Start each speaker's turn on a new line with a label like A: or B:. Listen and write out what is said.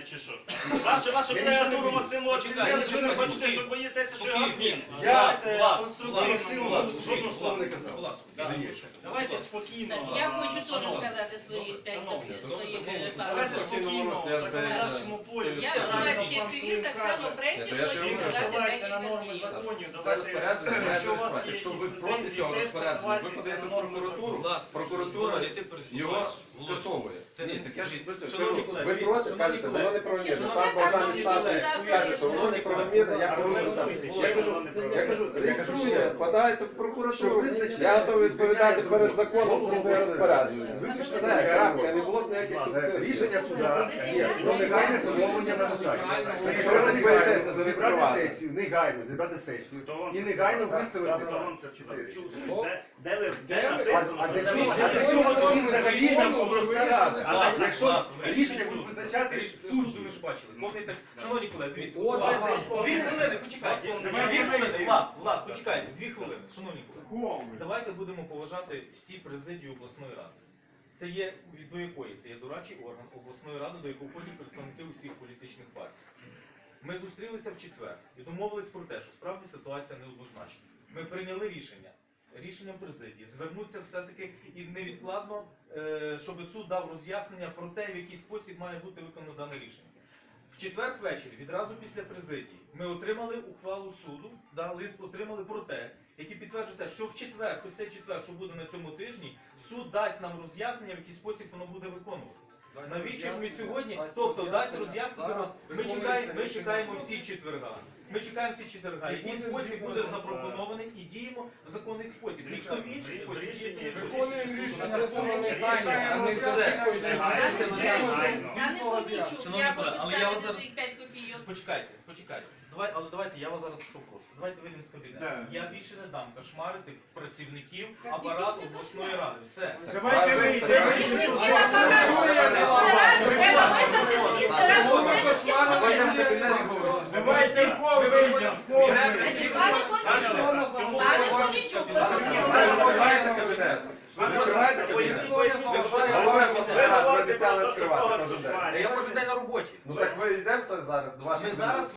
A: чи що? Вашу креатуру Максимовичу, я нічого не хочете, що боїтеся, що я змін.
B: Я конструктивно жодного слова не казав.
A: Давайте спокійно.
C: Я хочу теж сказати свої 5
A: Давайте спокійно, в законодавчому полі.
C: Я громадський активіст, так само пресі хочу
A: Він
C: сказати
A: посилається на
C: декілька
A: норми
C: слів.
A: законів.
B: Це розпорядження,
A: Якщо у вас є
B: якщо ви
A: якісь
B: проти
A: претензії,
B: цього
A: теж
B: розпорядження, ви
A: посилайтеся
B: подаєте
A: на
B: в
A: норми
B: прокуратуру,
A: законів.
B: прокуратура його скасовує. Ні, так я ж
D: Шановні
B: кажу,
D: колеги,
B: ви проти, кажете, воно неправомірно. Пан Богдан Стасович каже, що воно неправомірно, я порушив там. Я кажу, реєструйте, подайте в прокуратуру, я готовий відповідати перед законом за своє розпорядження. Все, крапка, не було б ніяких тут
E: Рішення суда є про негайне поновлення на посаді.
B: Якщо ви не боїтеся
E: Зібрати
B: зареєструвати.
E: сесію, негайно зібрати сесію і негайно виставити.
A: Хто вам це сказав? Де
E: А
A: написано,
E: для
A: що
E: чого? А для чого тоді взагалі нам обласна рада? Якщо рішення будуть визначати суд.
D: Ви ж бачили. Шановні колеги, дивіться. 2 хвилини, почекайте. 2 хвилини. Влад, почекайте. 2 хвилини. Шановні колеги. Давайте будемо поважати всі президію обласної ради. Це є, до якої? Це є дорадчий орган обласної ради, до якого входять представники усіх політичних партій. Ми зустрілися в четвер і домовились про те, що справді ситуація неоднозначна. Ми прийняли рішенням президії, звернуться все-таки і невідкладно, щоб суд дав роз'яснення про те, в який спосіб має бути виконано дане рішення. В четвер ввечері, відразу після президії, ми отримали ухвалу суду, лист отримали про те, який підтверджує те, що в четвер, ось цей четвер, що буде на цьому тижні, суд дасть нам роз'яснення, в який спосіб воно буде виконуватися. Навіщо ж ми сьогодні, тобто дасть роз'яснення, ми чекаємо всі четверга. Ми чекаємо всі четверга. Який спосіб буде запропонований і діємо в законний спосіб. Ніхто в інший спосіб діяти не буде.
F: Виконуємо рішення суду негайно, а не засікуючи.
C: Я не помічу,
D: Шановні
C: я
D: колеги,
C: хочу
D: але я вас
C: ставити
D: зараз-
C: своїх 5 копійок.
D: Почекайте. Але давайте, я вас зараз що прошу. Давайте вийдемо з кабінету. Я більше не дам кошмарити працівників апарату обласної ради. Все.
F: Давайте вийдемо.
C: Треба витрати звідси разом з тими,
B: А ви йдемо в
C: що
B: кабінет і говорите.
F: Давайте в пол вийдемо.
C: Пане Корнійчук,
B: Відкриваєте кабінет. Ви відкриваєте кабінет. Голова обласної ради, ви обіцяли відкривати кожен день.
D: Я кожен день на роботі.
B: Ну так ви йдемо зараз до ваших
D: Ми зараз